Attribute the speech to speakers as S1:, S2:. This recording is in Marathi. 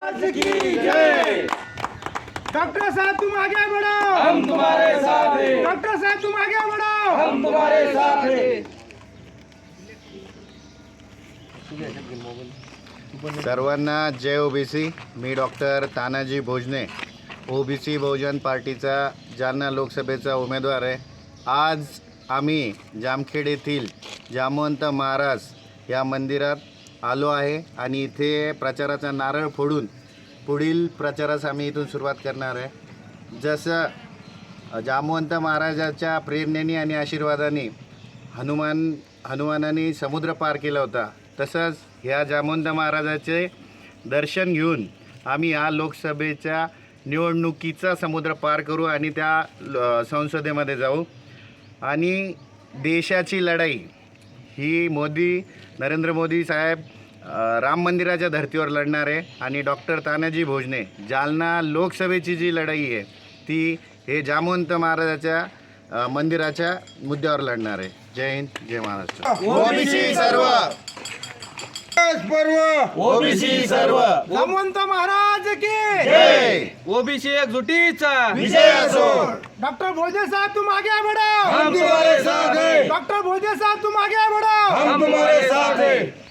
S1: की जय।
S2: डॉक्टर साहब तुम आगे बढ़ो,
S1: हम तुम्हारे साथ हैं।
S2: डॉक्टर साहब तुम आगे बढ़ो,
S1: हम तुम्हारे साथ हैं।
S3: सर्वांना जय ओबीसी। मी डॉक्टर तानाजी भोजने, ओबीसी बहुजन पार्टीचा जालना लोकसभेचा उमेदवार आहे। आज आम्ही जामखेड येथील जामवंत महाराज या मंदिरात आलो आहे आणि इथे प्रचाराचा नारळ फोडून पुढील प्रचारास आम्ही इथून सुरुवात करणार आहे। जसं जामवंत महाराजाच्या प्रेरणेने आणि आशीर्वादाने हनुमानाने समुद्र पार केला होता, तसंच ह्या जामवंत महाराजाचे दर्शन घेऊन आम्ही या लोकसभेच्या निवडणुकीचा समुद्र पार करू आणि त्या संसदेमध्ये जाऊ आणि देशाची लढाई ही नरेंद्र मोदी साहेब राम मंदिराच्या धर्तीवर लढणार आहे आणि डॉक्टर तानाजी भोजने जालना लोकसभेची जी लढाई आहे ती हे जामवंत महाराजाच्या मंदिराच्या मुद्द्यावर लढणार आहे। जय हिंद, जय महाराष्ट्र।
S1: ओबीसी सर्व, ओबीसी सर्व,
S2: जामवंत महाराज की
S3: जय।
S1: ओबीसी एकजुटीचा
S3: विजय असो।
S2: डॉक्टर भोजे साहब तुम आगे बढ़ो,
S1: हम तुम्हारे साथ हैं।
S2: डॉक्टर भोजे साहब तुम आगे बढ़ो,
S1: हम तुम्हारे साथ हैं।